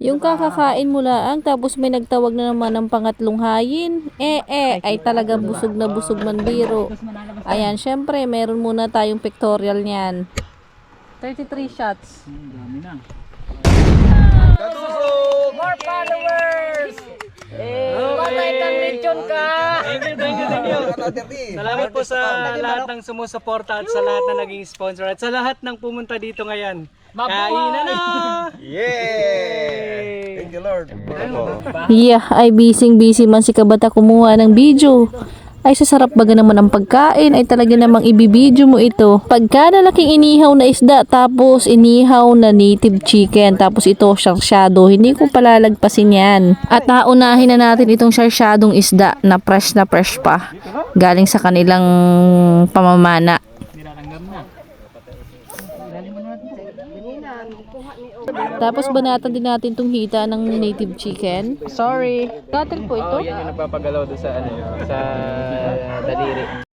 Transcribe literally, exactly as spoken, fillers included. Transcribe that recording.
Yung kakakain mo lang, tapos may nagtawag na naman ng pangatlong hayin. Eh, eh, ay talagang busog na busog man biro. Ayan, syempre, meron muna tayong pictorial niyan. thirty-three shots. Dami na. More followers! Eh, patay kang lechon ka! Thank you, thank you, thank you. Salamat po sa lahat ng sumusuporta at sa lahat na naging sponsor at sa lahat ng pumunta dito ngayon. Kainan na! Yeah! Thank you, Lord. Yeah, ay busy-busy man si Kabata kumuha ng video. Ay sasarap baga naman ang pagkain, ay talaga namang ibibidyo mo ito. Pagka nalaking inihaw na isda, tapos inihaw na native chicken, tapos ito sarsyado, hindi ko palalagpasin yan. At naunahin na natin itong sarsyadong isda na fresh na fresh pa, galing sa kanilang pamamana. Tapos banatan din natin itong hita ng native chicken. Sorry. Cutter po ito? Oh, yan yung nagpapagalaw doon sa ano, sa daliri.